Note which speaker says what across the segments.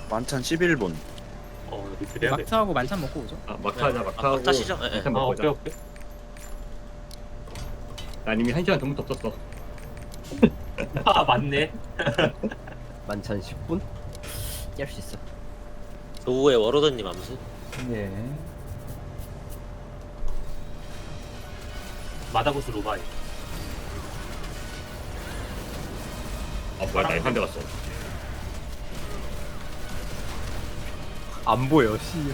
Speaker 1: 만찬 11분.
Speaker 2: 리필 해야 돼.
Speaker 3: 막타하고 만찬 먹고 오죠.
Speaker 4: 아 막타하자 막타하고
Speaker 5: 막타 시죠? 예, 예.
Speaker 4: 일단
Speaker 2: 아,
Speaker 4: 먹고
Speaker 2: 오케이,
Speaker 4: 오자.
Speaker 2: 오케이.
Speaker 4: 난 이미 1시간 전부터 없었어.
Speaker 2: 아, 맞네.
Speaker 6: 만찬 10분? 깰 수 있어.
Speaker 5: 노후의 워로드님 암수.
Speaker 3: 예.
Speaker 2: 마다고스 로바이.
Speaker 4: 아 뭐야 나 한대 갔어.
Speaker 6: 안 보여, 씨.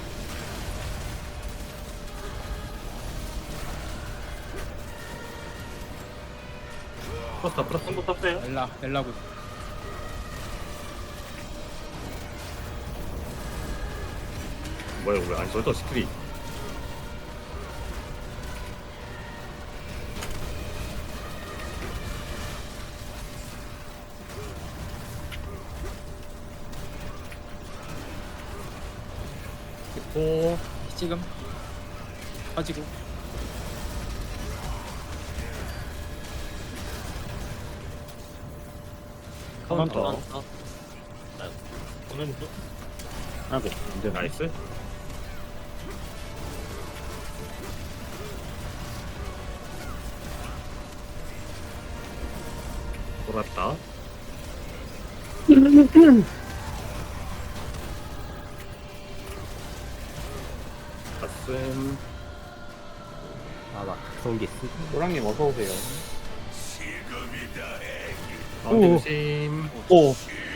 Speaker 4: 풀었어 풀었어.
Speaker 2: 한번 떴어요?
Speaker 3: 엘라고.
Speaker 4: 뭐야 왜안 써져 스크린. 됐고
Speaker 3: 지금 빠지고.
Speaker 4: 카운터.
Speaker 5: 카운터.
Speaker 2: 오늘 또
Speaker 1: 아이고.
Speaker 4: 이제 나이스. 돌았다. 가슴.
Speaker 6: 아, 나 각성기 쓰.
Speaker 7: 노랑님 어서 오세요.
Speaker 4: 가운데 조심.
Speaker 7: 오.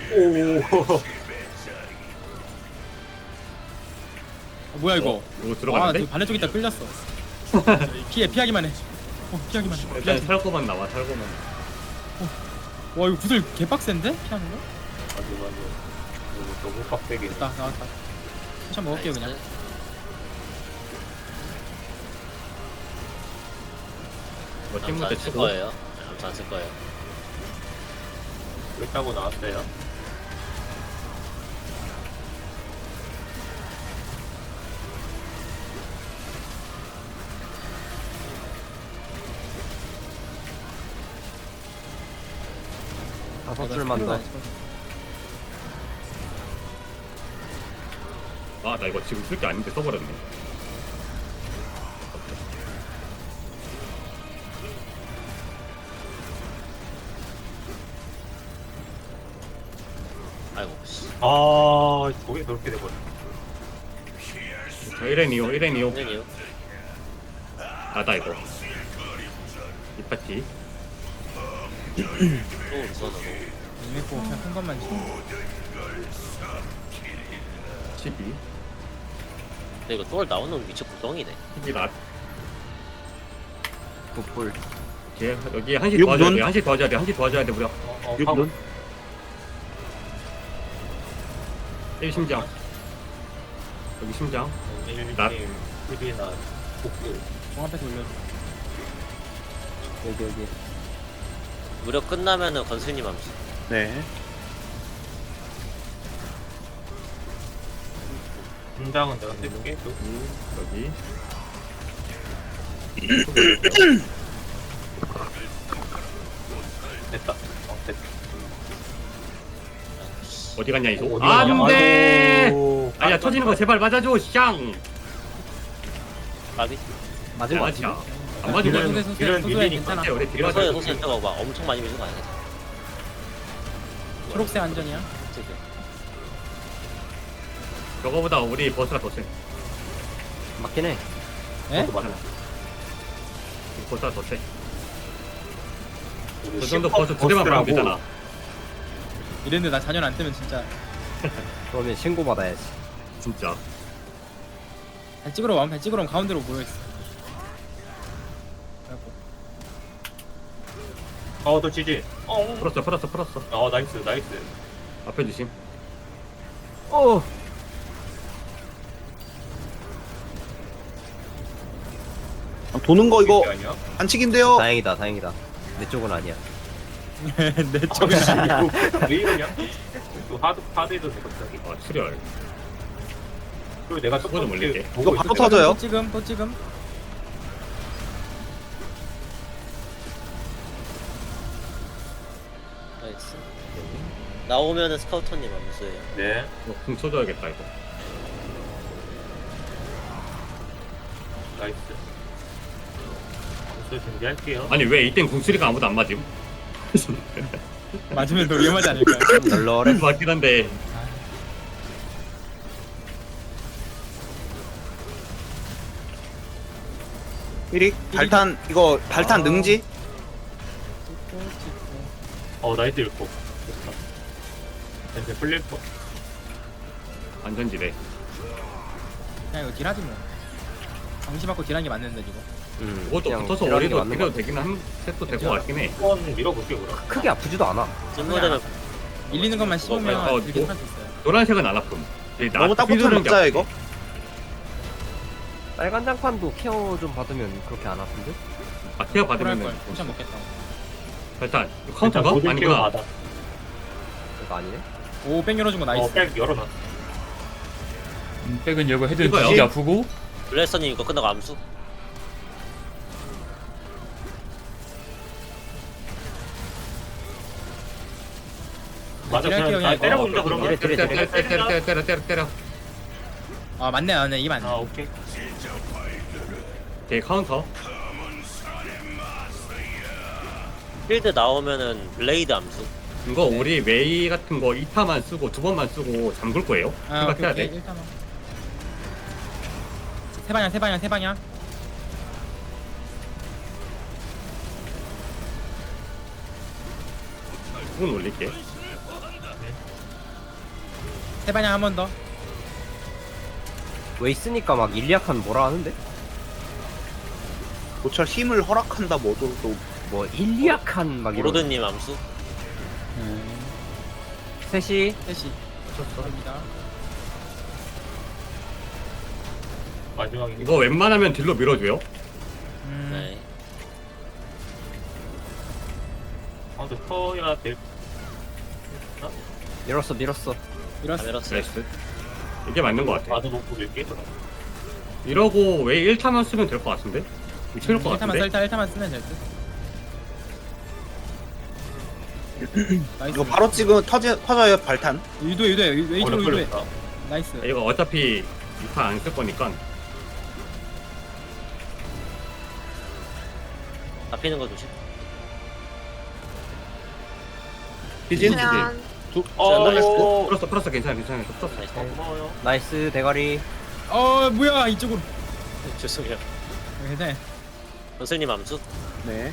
Speaker 3: 뭐야 이거?
Speaker 4: 이거
Speaker 3: 아,
Speaker 4: 들어가는데?
Speaker 3: 저 반대쪽 있다 끌렸어. 피하기만 해. 피하기만 해.
Speaker 4: 일단
Speaker 3: 피하기.
Speaker 4: 살고만 나와 살고만.
Speaker 3: 와 이거 구슬 개빡센데? 피하는 거?
Speaker 2: 맞아. 이거 너무 빡세게.
Speaker 3: 됐다 나왔다. 한참 먹을게요 그냥.
Speaker 4: 뭐
Speaker 5: 암수
Speaker 4: 팀무 때
Speaker 5: 안쓸
Speaker 4: 치고.
Speaker 5: 거예요. 네, 암수 안쓸 거예요.
Speaker 2: 그렇다고 나왔어요.
Speaker 6: 다섯 줄만 더.
Speaker 4: 아 나 이거 지금 쓸 게 아닌데 써버렸네.
Speaker 5: 아이고 씨.
Speaker 2: 아, 저게 그렇게 돼버려.
Speaker 4: 저 1N2호 1N2호.
Speaker 5: 선생님.
Speaker 4: 나다 이거. 이 파티.
Speaker 5: 또 우선으로.
Speaker 3: 이메코 그냥 큰 것만 치.
Speaker 4: 12.
Speaker 5: 근데 이거 똘 나오는 위치 구덩이네.
Speaker 4: 12 낫.
Speaker 6: 굿볼.
Speaker 4: 오케이 여기 한시
Speaker 1: 육
Speaker 4: 도와줘야
Speaker 1: 눈?
Speaker 4: 돼. 한시 도와줘야 돼. 한시 도와줘야 돼 무려.
Speaker 1: 6분.
Speaker 4: 1 심장. 여기 심장. 낫.
Speaker 2: 1이나 복수.
Speaker 3: 공 앞에서 올려줘.
Speaker 6: 여기.
Speaker 5: 무력 끝나면은 건슬님 암수.
Speaker 1: 네.
Speaker 2: 분장은 내가 해볼게.
Speaker 4: 여기.
Speaker 2: 됐다. 됐다.
Speaker 4: 어디 갔냐 이소?
Speaker 2: 어디 갔냐?
Speaker 4: 안돼.
Speaker 2: 아이고.
Speaker 4: 아니야 터지는 거 제발 맞아줘. 샹.
Speaker 5: 까비.
Speaker 6: 맞은 거
Speaker 4: 맞아.
Speaker 6: 같지?
Speaker 4: 안 맞은 거야.
Speaker 3: 소세
Speaker 2: 이런
Speaker 3: 소소해
Speaker 2: 밀리니까
Speaker 3: 괜찮아.
Speaker 4: 우리
Speaker 5: 소에
Speaker 4: 딜러서
Speaker 5: 소세 때가 막 엄청 많이 밀는 거 아니야?
Speaker 3: 초록색 안전이야.
Speaker 5: 지금.
Speaker 4: 저거보다 우리 버스가 더 세.
Speaker 6: 맞긴 해.
Speaker 3: 예?
Speaker 2: 맞아.
Speaker 4: 버스가 더 세.
Speaker 2: 우리
Speaker 4: 저 정도
Speaker 2: 슈퍼
Speaker 4: 버스 두 대만
Speaker 2: 버스라고.
Speaker 4: 받으면 되잖아.
Speaker 3: 이랬는데 나 자녀 안 뜨면 진짜
Speaker 6: 그러면 신고 받아야지.
Speaker 4: 진짜.
Speaker 3: 발 찍으러 가면 발 찍으러 오면 가운데로 모여있어. 그래갖고
Speaker 2: 또 지지.
Speaker 4: 풀었어.
Speaker 2: 나이스.
Speaker 4: 앞에 주심.
Speaker 6: 어.
Speaker 1: 도는 거 이거
Speaker 2: 아니야?
Speaker 1: 반칙인데요.
Speaker 6: 다행이다. 내 쪽은 아니야.
Speaker 3: 내 쪽은 아니고
Speaker 2: 왜 이러냐? 또 하드에도 돼 갑자기.
Speaker 4: 아 출혈.
Speaker 2: 그리고 내가
Speaker 4: 그거 좀 올릴게.
Speaker 1: 이거 바로 터져요.
Speaker 3: 또 찍음.
Speaker 5: 나이스. 나오면은 스카우터님 암수예요.
Speaker 2: 네.
Speaker 4: 궁 쳐줘야겠다 이거.
Speaker 2: 나이스. 암수 준비할게요.
Speaker 4: 아니 왜 이땐 궁수리가 아무도 안 맞음?
Speaker 3: 맞으면 더 위험하지 않을까요?
Speaker 6: 좀 널널해.
Speaker 4: 맞긴 한데.
Speaker 1: 삐릭 발탄 이거 발탄
Speaker 3: 아.
Speaker 1: 능지?
Speaker 2: 나이스 읽고. 좋다. 이제 풀릴 거.
Speaker 4: 안전지대.
Speaker 3: 그냥 이거 딜하지 뭐. 방시 받고 딜하는 게 맞는데 지금.
Speaker 4: 이것도
Speaker 6: 그냥
Speaker 4: 붙어서
Speaker 6: 딜하는 게
Speaker 4: 오리도
Speaker 6: 맞는
Speaker 4: 필요도
Speaker 6: 것
Speaker 4: 되긴 한 셋도 될 것
Speaker 3: 괜찮아.
Speaker 4: 같긴 해.
Speaker 2: 한번 밀어볼게 그럼.
Speaker 6: 크게 아프지도 않아.
Speaker 5: 찐모델은
Speaker 3: 밀리는 것만 씹으면
Speaker 4: 어,
Speaker 3: 이렇게
Speaker 4: 뭐?
Speaker 3: 할수 있어요.
Speaker 4: 노란색은 안 아픔.
Speaker 1: 너무 딱 붙어 먹자요 이거.
Speaker 6: 빨간 장판도 케어 좀 받으면 그렇게 안 아픈데?
Speaker 4: 마티아
Speaker 3: 그럴
Speaker 4: 받으면은
Speaker 3: 걸. 포션 먹겠다.
Speaker 4: 일단 카운터가 아니구나.
Speaker 2: 받아.
Speaker 6: 이거 아니네?
Speaker 3: 오, 뺑 열어준 거 나이스.
Speaker 2: 백 열어놨어.
Speaker 7: 백은 열고 헤드
Speaker 4: 이거요?
Speaker 7: 되게 아프고
Speaker 5: 블레스터님 이거 끝나고 암수.
Speaker 2: 맞아.
Speaker 3: 딜할게요,
Speaker 2: 그냥
Speaker 3: 그냥.
Speaker 2: 때려본다 그러면.
Speaker 4: 때려.
Speaker 3: 아, 맞네. 이 맞네.
Speaker 2: 오케이.
Speaker 4: 제 카운터.
Speaker 5: 필드 나오면은 블레이드 암수.
Speaker 4: 이거 우리 웨이 같은 거 2타만 쓰고 2번만 쓰고 잠글 거예요.
Speaker 3: 아,
Speaker 4: 생각해야
Speaker 3: 오케이,
Speaker 4: 돼.
Speaker 3: 오케이. 1타만. 세 방향.
Speaker 4: 궁은 올릴게.
Speaker 3: 세 방향 한 번 더.
Speaker 6: 왜 있으니까 막 일리아칸 뭐라 하는데?
Speaker 1: 고철 힘을 허락한다 뭐도 또
Speaker 6: 뭐 일리아칸 막 이런.
Speaker 5: 오로드님 암수.
Speaker 6: 셋이
Speaker 3: 셋이. 갑니다.
Speaker 2: 마지막에
Speaker 4: 이거 웬만하면 딜로 밀어줘요.
Speaker 5: 네.
Speaker 2: 아무튼 터야 될.
Speaker 6: 밀었어.
Speaker 5: 다
Speaker 3: 밀었어.
Speaker 5: 밀었어요.
Speaker 4: 나이스. 이게 맞는 것 같아.
Speaker 2: 나도 놓고 밀게.
Speaker 4: 이러고 웨이 1타만 쓰면 될 것 같은데? 미칠 것
Speaker 3: 1타만
Speaker 4: 같은데?
Speaker 3: 1타만 쓰면 될 듯. 나이스.
Speaker 1: 이거 바로 찍으면 터져요 발탄.
Speaker 3: 유도해. 웨이트로 유도해.
Speaker 2: 걸렸다.
Speaker 3: 나이스.
Speaker 4: 이거 어차피 2타 안 쓸 거니까
Speaker 5: 잡히는 거 조심.
Speaker 1: 비진?
Speaker 8: 그냥
Speaker 4: 풀었어 괜찮아 풀었어.
Speaker 5: 나이스.
Speaker 2: 고마워요.
Speaker 6: 나이스 대가리.
Speaker 3: 뭐야 이쪽으로.
Speaker 5: 죄송해요.
Speaker 3: 괜찮아.
Speaker 5: 선생님 암수.
Speaker 1: 네.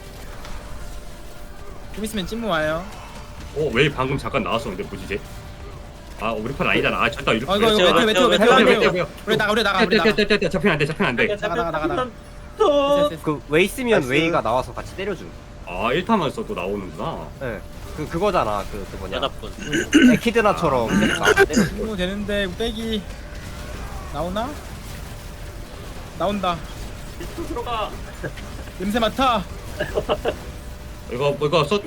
Speaker 3: 좀 있으면 찐무 와요.
Speaker 4: 웨이 방금 잠깐 나왔었는데 뭐지 이제? 아 우리 편 아니잖아. 아 잠깐 이렇게
Speaker 3: 이거
Speaker 5: 왜
Speaker 3: 메테오. 우리 나가.
Speaker 4: 잡히면 안돼
Speaker 3: 나가.
Speaker 6: 그 웨이 쓰면 웨이가 나와서 같이 때려줌.
Speaker 4: 아 1타만 써도 나오는구나.
Speaker 6: 예. 그거잖아. 그 뭐냐.
Speaker 5: 연합군.
Speaker 6: 에키드나처럼 계속 나와서 때려줌.
Speaker 3: 찐무 되는데 빼기 나오나? 나온다.
Speaker 2: 들어가.
Speaker 3: 냄새 맡아.
Speaker 4: 이거 써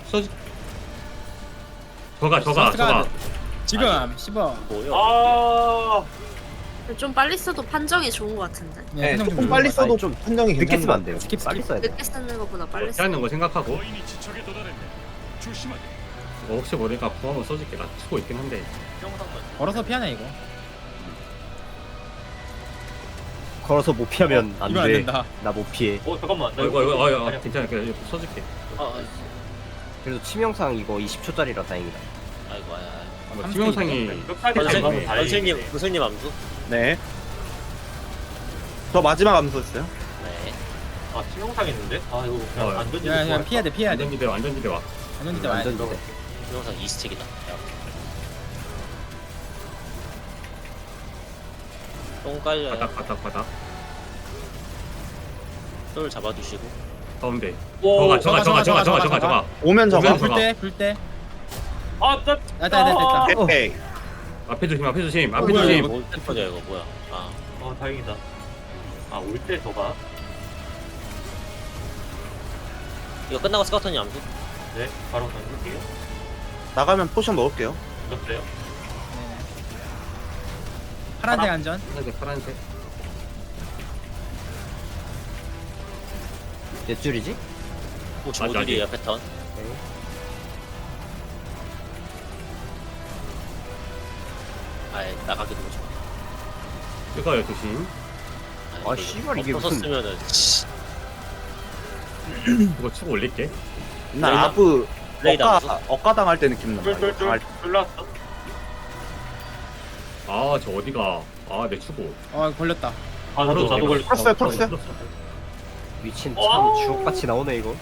Speaker 4: 저가
Speaker 3: 지금 씹어.
Speaker 5: 뭐요?
Speaker 2: 아.
Speaker 8: 좀 빨리 써도 판정이 좋은 것 같은데.
Speaker 1: 네,
Speaker 3: 판정
Speaker 1: 조금
Speaker 3: 좀
Speaker 1: 빨리
Speaker 3: 좋아.
Speaker 1: 써도
Speaker 6: 아니, 좀
Speaker 1: 판정이
Speaker 6: 늦게
Speaker 1: 괜찮은
Speaker 6: 쓰면
Speaker 1: 것
Speaker 6: 안 돼요.
Speaker 3: 스킵.
Speaker 6: 빨리 써야 돼.
Speaker 8: 늦게 쓰는 것보다 빨리 쓰.
Speaker 4: 피하는 거 생각하고 이거 혹시 모르니까 궁 한번 써줄게. 나 치고 있긴 한데
Speaker 3: 걸어서 피하냐 이거.
Speaker 6: 걸어서 못 피하면 안
Speaker 3: 이거 안
Speaker 6: 돼.
Speaker 3: 된다.
Speaker 6: 나 못 피해.
Speaker 2: 잠깐만. 나
Speaker 4: 이거 괜찮아 그냥 써줄게.
Speaker 6: 그래도 치명상 이거 20초짜리라 다행이다.
Speaker 5: 아이고 아야.
Speaker 4: 팀영상이
Speaker 5: 선생님 암수.
Speaker 1: 네. 저 마지막 암수였어요.
Speaker 5: 네.
Speaker 2: 아 치명상 했는데? 아 이거 그냥 안 던지고.
Speaker 3: 야, 피해야 돼.
Speaker 4: 안전지대 와.
Speaker 3: 안전 진짜 와야 돼.
Speaker 6: 완전
Speaker 5: 영상 2스택이다. 똥 깔려요.
Speaker 4: 바닥
Speaker 5: 똘 잡아주시고.
Speaker 4: 가운데.
Speaker 2: 오,
Speaker 4: 저가.
Speaker 1: 오면 저거.
Speaker 4: 오면
Speaker 3: 불 때.
Speaker 2: 아, 나.
Speaker 3: 됐다.
Speaker 1: 오케이.
Speaker 4: 앞에 조심.
Speaker 3: 뭐야, 이거.
Speaker 5: 뭘 터져 이거 뭐야? 아
Speaker 2: 다행이다. 아, 올 때 저가.
Speaker 5: 이거 끝나고 스카우터님 암수.
Speaker 2: 네, 바로 던질게요.
Speaker 1: 나가면 포션 먹을게요.
Speaker 2: 던졌어요.
Speaker 3: 파란색 안전.
Speaker 4: 파란색.
Speaker 6: 몇 줄이지?
Speaker 5: 오, 주모들이에요 패턴. 아예 나가기 너무 좋아.
Speaker 4: 뜨거워요 조심.
Speaker 6: 아, 씨발, 이게 무슨-
Speaker 5: 없었으면은
Speaker 4: 이거 추고 올릴게.
Speaker 1: 나
Speaker 5: 레이더?
Speaker 1: 아프
Speaker 5: 레이더 암수?
Speaker 1: 억가 당할 때 느낌 나.
Speaker 2: 쫄쫄쫄 쫄랐어.
Speaker 4: 아 저 어디가? 아 내 추고.
Speaker 3: 걸렸다.
Speaker 2: 아 나도 걸렸어.
Speaker 1: 풀었어요, 풀었어요.
Speaker 6: 미친 참
Speaker 5: 어.
Speaker 6: 주옥같이 나오네 이거.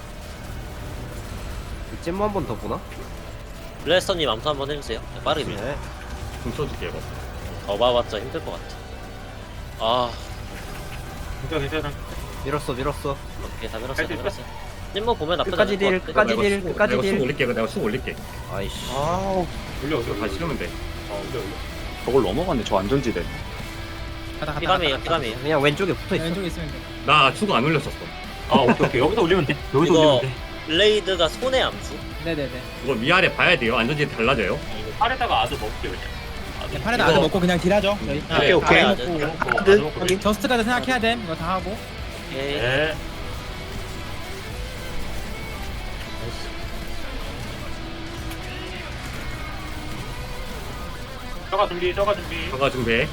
Speaker 6: 이 잼모 한 번 더 보나?
Speaker 5: 블래스터님 암수 한번 해주세요. 빠르게 밀.
Speaker 6: 네.
Speaker 4: 좀 써줄게 이거.
Speaker 5: 더 봐봤자 힘들 것 같아. 아,
Speaker 2: 괜찮아.
Speaker 6: 밀었어.
Speaker 5: 오케이 다 밀었어, 다
Speaker 2: 할수 있어?
Speaker 5: 밀었어. 찜모 보면 나쁘지
Speaker 6: 끝까지
Speaker 5: 않을
Speaker 6: 딜,
Speaker 5: 것 같아.
Speaker 6: 끝까지
Speaker 4: 내가
Speaker 6: 딜,
Speaker 4: 추고-
Speaker 6: 끝까지
Speaker 4: 내가
Speaker 6: 딜.
Speaker 4: 추고 올릴게. 내가 추고 올릴게.
Speaker 6: 아이씨.
Speaker 1: 아우
Speaker 2: 올려
Speaker 4: 이거 다시 치면 돼.
Speaker 2: 올려.
Speaker 1: 저걸 넘어갔네. 저 안전지대.
Speaker 3: 가다
Speaker 5: 피감이에요, 피감이에요.
Speaker 6: 그냥 왼쪽에 붙어 있어.
Speaker 3: 왼쪽에 있으면 돼.
Speaker 4: 나 추고 안 올렸었어.
Speaker 2: 아 오케이 여기서 올리면 돼. 여기서
Speaker 5: 이거
Speaker 2: 올리면 돼.
Speaker 5: 블레이드가 손의 암수.
Speaker 3: 네네네.
Speaker 4: 이거 위아래 봐야 돼요. 안전지 달라져요.
Speaker 2: 이거 팔에다가 아드 먹게 그냥.
Speaker 3: 네, 팔에다
Speaker 4: 이거-
Speaker 3: 아드 먹고 그냥 딜하죠. 저희.
Speaker 1: 오케이, 오케이.
Speaker 5: 아드.
Speaker 1: 아드 확인.
Speaker 3: 저스트까지 생각해야 돼. 이거 다 하고.
Speaker 5: 오케이.
Speaker 2: 네. 저가 준비.
Speaker 4: 저가 준비해.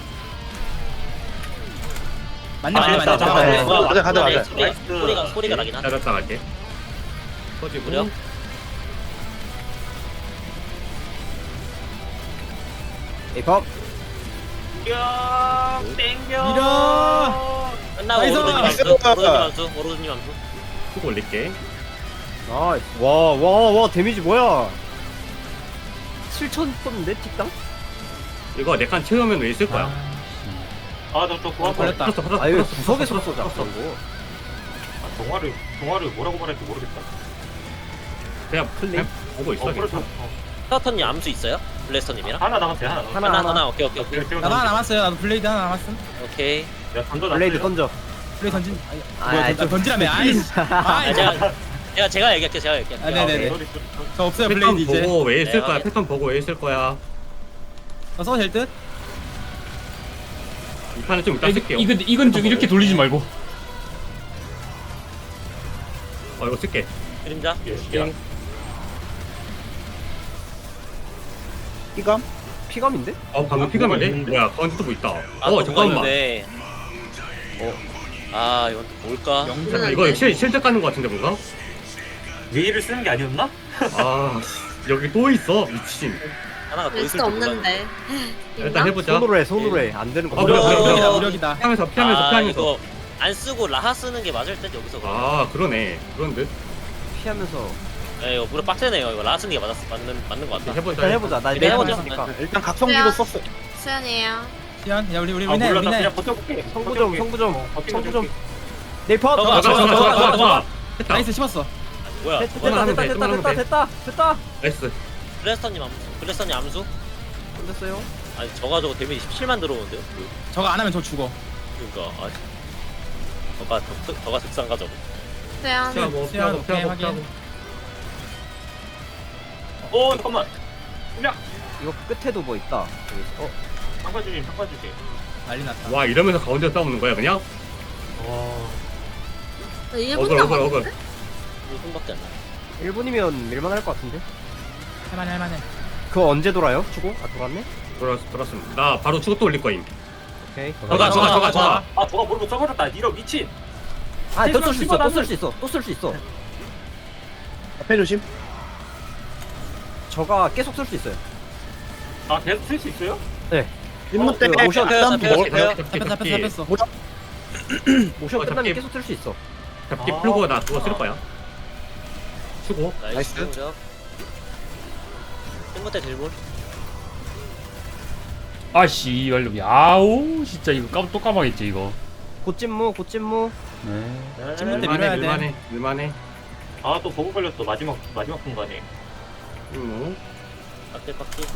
Speaker 3: 맞네.
Speaker 1: 네,
Speaker 3: 잠깐만.
Speaker 1: 맞아.
Speaker 5: 소리가 나긴 하다.
Speaker 4: 따랐다 갈게. 터지고.
Speaker 5: 무려?
Speaker 6: 에이팝.
Speaker 2: 땡겨.
Speaker 3: 밀어.
Speaker 5: 끝나고
Speaker 3: 나이스!
Speaker 5: 오로드님 암수. 오로드님 암수.
Speaker 4: 추고 올릴게.
Speaker 6: 나이스. 와, 데미지 뭐야? 7천 떴는데 틱당?
Speaker 4: 이거 내 칸 채우면 왜 있을 거야?
Speaker 2: 아저또 구한 거.
Speaker 3: 걸렸다.
Speaker 4: 풀었어.
Speaker 6: 아, 이거 구석에서 쏘자. 이거.
Speaker 2: 동화를 뭐라고 말할지 모르겠다.
Speaker 4: 그냥 그냥 보고 있어.
Speaker 2: 그렇죠.
Speaker 5: 스타터님 암수 있어요? 블래스터님이랑?
Speaker 2: 하나 남았어요.
Speaker 5: 하나. 오케이.
Speaker 3: 나도 하나 남았어요. 나도 블레이드 하나 남았음.
Speaker 5: 오케이.
Speaker 2: 야 던져.
Speaker 6: 블레이드 던져.
Speaker 3: 블레이드 던진.
Speaker 6: 아,
Speaker 3: 뭐야,
Speaker 6: 좀-
Speaker 3: 던지라며. 아이씨.
Speaker 5: 아,
Speaker 3: 아이.
Speaker 5: 제가 얘기할게요.
Speaker 3: 아, 네네네. 저 없어요.
Speaker 4: 패턴
Speaker 3: 블레이드 이제.
Speaker 4: 보고 왜 있을
Speaker 5: 네,
Speaker 4: 거야?
Speaker 5: 확인.
Speaker 4: 패턴 보고 왜 있을 거야?
Speaker 3: 써도 될 듯?
Speaker 4: 이 판은 좀 이따 쓸게요.
Speaker 7: 이건 좀 이렇게 돌리지 말고.
Speaker 4: 이거 쓸게.
Speaker 5: 그림자.
Speaker 1: 피감?
Speaker 6: 피감인데?
Speaker 4: 방금 피감인데? 뭐야? 가운데 또뭐 있다.
Speaker 5: 아, 또
Speaker 4: 잠깐만.
Speaker 5: 있는데. 아, 이건 또 뭘까?
Speaker 4: 잠깐, 이거 실드 까는 거 같은데 뭔가?
Speaker 2: 예의를 쓰는 게 아니었나?
Speaker 4: 아 여기 또 있어 미친.
Speaker 5: 하나가 더 있을
Speaker 8: 릴스
Speaker 5: 줄 몰랐네.
Speaker 8: 없는데.
Speaker 4: 일단 해보자.
Speaker 6: 손으로 해. 안 되는 거.
Speaker 4: 어, 그래, 그래, 그래.
Speaker 3: 무력이다. 무력이다.
Speaker 4: 피하면서
Speaker 5: 아,
Speaker 4: 피하면서.
Speaker 5: 이거 안 쓰고 라하 쓰는 게 맞을 듯 여기서.
Speaker 4: 아 그러네. 그런 듯.
Speaker 6: 피하면서.
Speaker 5: 예, 이거 무릎 빡세네요. 이거 라하 쓰는 게 맞는 것 같다.
Speaker 4: 해보자.
Speaker 6: 일단 해보자. 나
Speaker 5: 일단 해보자.
Speaker 6: 있으니까.
Speaker 1: 일단 각성기도 썼어.
Speaker 8: 수연이에요.
Speaker 3: 시연. 야, 우리
Speaker 2: 아 몰라 나
Speaker 3: 위네.
Speaker 2: 그냥 버텨볼게.
Speaker 6: 성부 좀.
Speaker 2: 버텨볼게.
Speaker 6: 네이팝.
Speaker 5: 저거,
Speaker 4: 좋아. 됐다.
Speaker 3: 나이스 씹었어.
Speaker 5: 뭐야?
Speaker 6: 됐다.
Speaker 4: 나이스.
Speaker 5: 블래스터님 암수?
Speaker 6: 됐어요.
Speaker 5: 아니 저거 데미지 17만 들어오는데요?
Speaker 3: 저거 안 하면 저 죽어.
Speaker 5: 그러니까 저가 득상가 저거.
Speaker 8: 수연.
Speaker 4: 피하고
Speaker 3: 수연, 오케이, 확인.
Speaker 2: 오 잠깐만.
Speaker 6: 이거 끝에도 뭐 있다.
Speaker 2: 상관주님.
Speaker 3: 난리 났다.
Speaker 4: 와 이러면서 가운데 싸우는 거야 그냥?
Speaker 8: 나 1분
Speaker 4: 어글.
Speaker 8: 남았는데?
Speaker 5: 1분밖에 안 나.
Speaker 6: 1분이면 밀만할 것 같은데.
Speaker 3: 할만해.
Speaker 6: 그거 언제 돌아요? 추고? 아, 돌았네?
Speaker 4: 돌았습니다. 나 바로 추고 또 올릴 거임.
Speaker 6: 오케이.
Speaker 4: 저가.
Speaker 2: 아 저거 모르고 써버렸다. 이런 미친.
Speaker 6: 또 쓸 수 있어.
Speaker 1: 앞에 조심.
Speaker 6: 저가 계속 쓸 수 있어요.
Speaker 2: 아 계속 쓸 수 있어요?
Speaker 1: 임무 때
Speaker 6: 모션
Speaker 1: 일단 먹을 거예요.
Speaker 3: 잡혔어.
Speaker 6: 모션 끝나면
Speaker 4: 잡기.
Speaker 6: 계속 쓸 수 있어.
Speaker 4: 잡기 풀고 나 그거 쓸 거야. 추고.
Speaker 5: 나이스.
Speaker 1: 나이스.
Speaker 5: 땡무대 딜볼.
Speaker 7: 아씨 완료. 야오 진짜 이거 또 까먹겠지 이거.
Speaker 6: 곧찜무.
Speaker 7: 네.
Speaker 3: 찜물 때 밀어야 돼.
Speaker 4: 밀만해.
Speaker 2: 아또 버그 걸렸어. 마지막 순간에.
Speaker 5: 빡딜.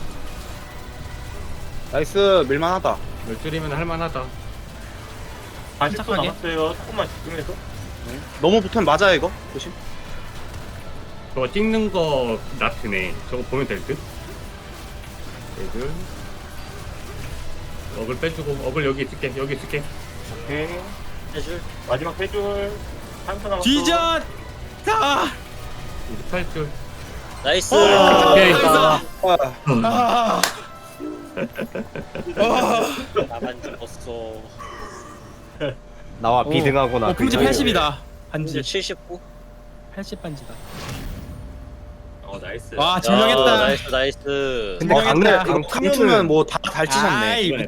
Speaker 1: 나이스 밀만하다.
Speaker 4: 열 줄이면 할만하다.
Speaker 2: 40초
Speaker 3: 침착하게.
Speaker 2: 남았어요. 조금만 집중해서.
Speaker 1: 너무 붙으면 맞아요 이거. 조심.
Speaker 4: 저거 찍는 거 나트네. 저거 보면 될 듯. 얘들. 어글 빼주고 어글 여기 있을게.
Speaker 2: 오케이.
Speaker 5: 해줄.
Speaker 2: 마지막 3줄. 3초 남았어.
Speaker 3: 뒤져. 다.
Speaker 4: 28줄.
Speaker 5: 나이스.
Speaker 7: 오케이.
Speaker 1: 아,
Speaker 5: 나만 죽었어.
Speaker 6: 나와 비등하구나.
Speaker 3: 품지
Speaker 6: 그
Speaker 3: 80이다. 반지.
Speaker 5: 79.
Speaker 3: 80 반지다.
Speaker 2: 나이스.
Speaker 3: 와 증명했다.
Speaker 5: 나이스 나이스.
Speaker 6: 근데
Speaker 3: 어,
Speaker 6: 강릉
Speaker 3: 강-
Speaker 6: 강릉
Speaker 1: 강팀은 뭐 다 잘 치셨네.
Speaker 3: 아이,